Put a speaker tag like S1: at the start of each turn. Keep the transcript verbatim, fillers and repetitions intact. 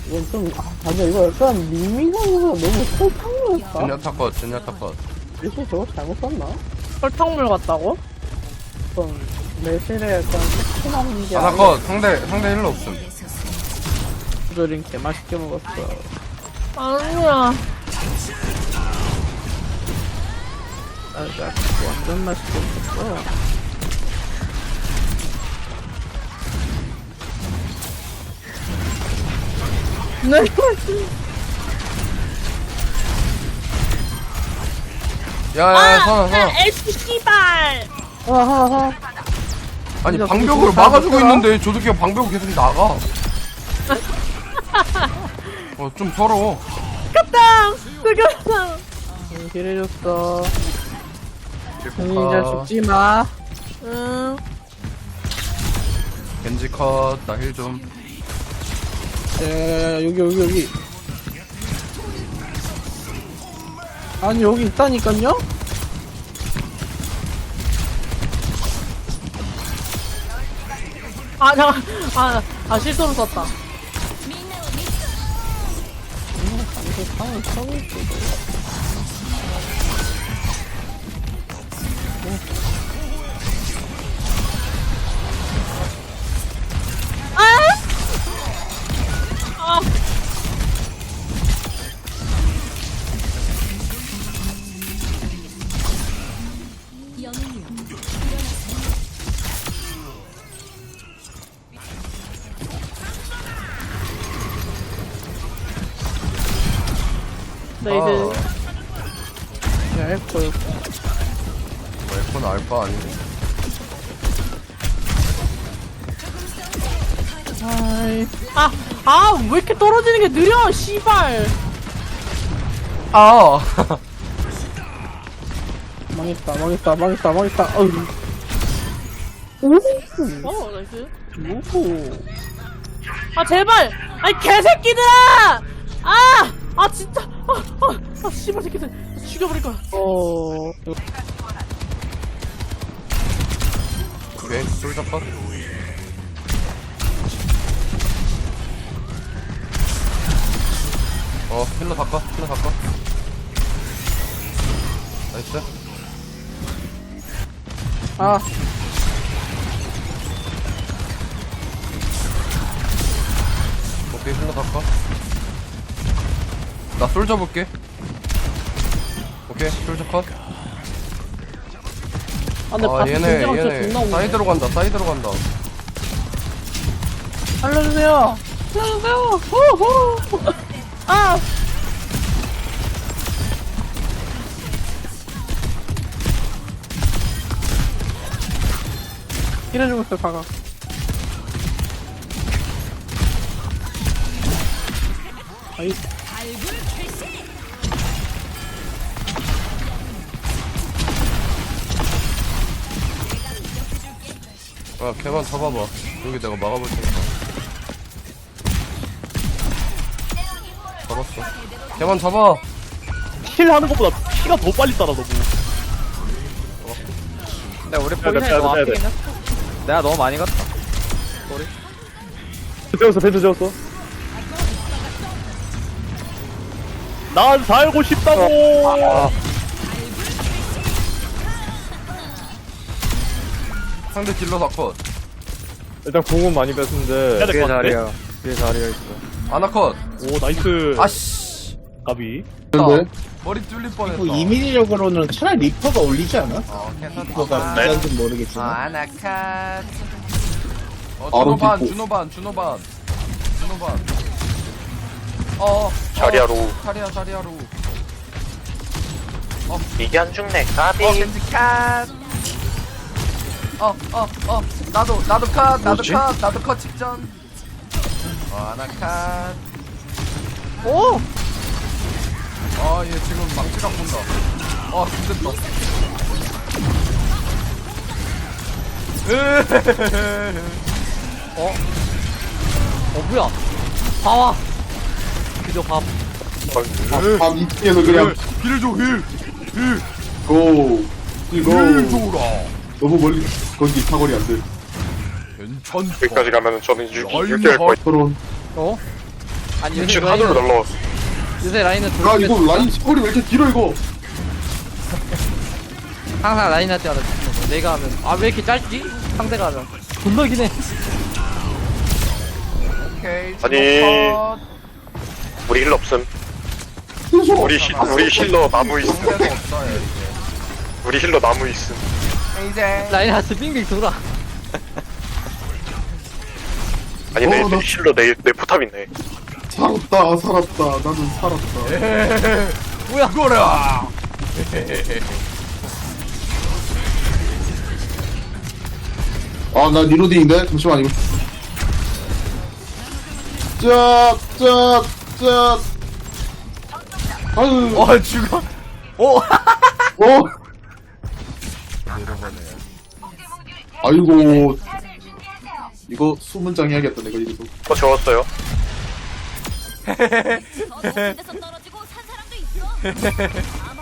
S1: 이건 좀, 아, 맞아. 이거 약간 밍밍하면서 너무 설탕물했다.
S2: 젠야타 컷, 젠야타 컷.
S1: 이거 저거 잘못 썼나?
S3: 설탕물 같다고?
S1: 좀, 매실에 약간 새콤한 게.
S2: 하나 컷, 상대, 상대 힐러 없음.
S1: 조절인 개 맛있게 먹었어.
S3: 아니야.
S1: 나 진짜 완전 맛있게 먹었어.
S3: 네.
S2: 야, 야, 야, 선아, 선아.
S3: 에스 씨발.
S1: 하하하.
S2: 아니,
S1: 진짜
S2: 방벽으로
S1: 그거
S2: 막아주고
S1: 잘못했더라.
S2: 있는데, 조드키가 방벽을 계속 나가. 어, 좀 서러워.
S3: 갔다. 죽였어.
S1: 길해줬어.
S2: 아.
S1: 이제 죽지 마.
S3: 응.
S2: 겐지 컷, 나 힐 좀.
S1: 야야야야, 여기, 여기, 여기. 아니, 여기 있다니깐요?
S3: 아 잠깐. 아, 아 실수로 썼다.
S1: 방금 상을 쳐고 있어.
S3: 아. 나 이제
S1: 야, 에코, 에코.
S2: 뭐, 에코는 알바 아니고.
S1: 아이.
S3: 아, 아, 왜 이렇게 떨어지는 게 느려, 씨발.
S2: 아!
S1: 망했다, 망했다, 망했다, 망했다. 어이. 오!
S3: 어, 나이스.
S1: 오!
S3: 아, 제발! 아이, 개새끼들아! 아! 아, 진짜! 아, 아, 아, 씨발 새끼들. 죽여버릴 거야.
S1: 어.
S2: 오케이, 솔저 컷. 어, 힐러 바꿔, 힐러 바꿔. 나이스.
S1: 아,
S2: 오케이, 힐러 바꿔. 나 솔저 볼게. 오케이, 솔저 컷.
S3: 아, 근데
S2: 아,
S3: 바스
S2: 얘네,
S3: 진짜 진짜
S2: 얘네.
S3: 존나 오네.
S2: 사이드로 간다, 사이드로 간다.
S1: 살려주세요! 살려주세요! 호호!
S3: 아!
S1: 이래주고 있어, 가가. 아이.
S2: 아, 걔만 잡아봐. 여기 내가 막아볼 테니까. 잡았어. 걔만 잡아.
S4: 힐 하는 것보다 피가 더 빨리 따라 너무.
S5: 근데 우리
S4: 돼,
S5: 포지션이
S4: 빼야
S5: 너무
S4: 돼, 빼야
S5: 앞이긴 했어. 내가 너무 많이 갔다.
S4: 재웠어, 벤츠 재웠어. 난 살고 싶다고.
S5: 아,
S2: 상대 딜러 다 컷.
S6: 일단 공은 많이 뺐는데
S4: 해야 될
S5: 뒤에
S4: 것 같은데?
S5: 자리야. 뒤에 자리야 있어.
S2: 아나 컷.
S4: 오, 나이스.
S2: 아씨.
S4: 가비.
S2: 나 머리 뚫릴 뻔했다.
S7: 뭐 이민희력으로는 차라리 리퍼가 올리지 않아?
S2: 어, 괜찮다.
S7: 리퍼가
S4: 네.
S7: 미안좀
S2: 어,
S7: 모르겠지만
S2: 아나 컷. 어,
S7: 바로
S2: 준호반,
S7: 뒷부.
S2: 준호반, 준호반. 준호반. 어,
S8: 자리하로.
S2: 자리야, 자리야로.
S8: 이게 안 죽네, 까비.
S2: 어, 겐지 컷. 어, 어, 어. 나도, 나도 컷, 나도
S8: 뭐지?
S2: 컷, 나도 컷 직전. 어, 아나 컷.
S3: 오!
S2: 아, 얘 지금 망치랑 본다. 아, 죽겠다.
S5: 어? 어, 뭐야? 봐와. 그저 밥.
S7: 밥 이쪽에서 그냥
S2: 힐 줘, 힐. 힐.
S7: 고
S2: 힐
S7: 이거
S2: 줘라.
S7: 너무 멀리 거기 사거리 안 돼.
S2: 괜찮다.
S8: 여기까지 가면은 저는 육,
S2: 얼마
S8: 육 대 일 거예요.
S7: 서론
S5: 어? 아니 요새
S8: 지금 하늘로
S5: 라인은
S8: 날라왔어.
S5: 요새 라인은
S7: 야
S5: 돌
S7: 이거 라인 사거리 왜 이렇게 길어 이거?
S5: 항상 라인 할 때마다 죽는 거. 내가 하면 아 왜 이렇게 짧지? 상대가 하면 존나 기네.
S2: 오케이.
S8: 아니.
S2: 컷.
S8: 우리 힐러 없음. 우리 힐 우리 힐러 나무 있음.
S2: 공대가 없어요 이제.
S8: 우리 힐러 나무 있음.
S2: 이제
S5: 라인 하스 빙빙 돌아.
S8: 아니 내
S7: 어, 나-
S8: 힐러 내 내 포탑 있네.
S7: 살았다 살았다 나는 살았다.
S5: 뭐야?
S2: 이거라.
S7: 아나 리로딩인데 잠시만 이거. 짝짝짝짝. 아유.
S2: 어 죽어. 오.
S7: 어. 아이고. 이거 수문장 해야겠다 내가 이거.
S8: 어 적었어요.
S9: 저 높은 데서 떨어지고 산 사람도 있어. 아마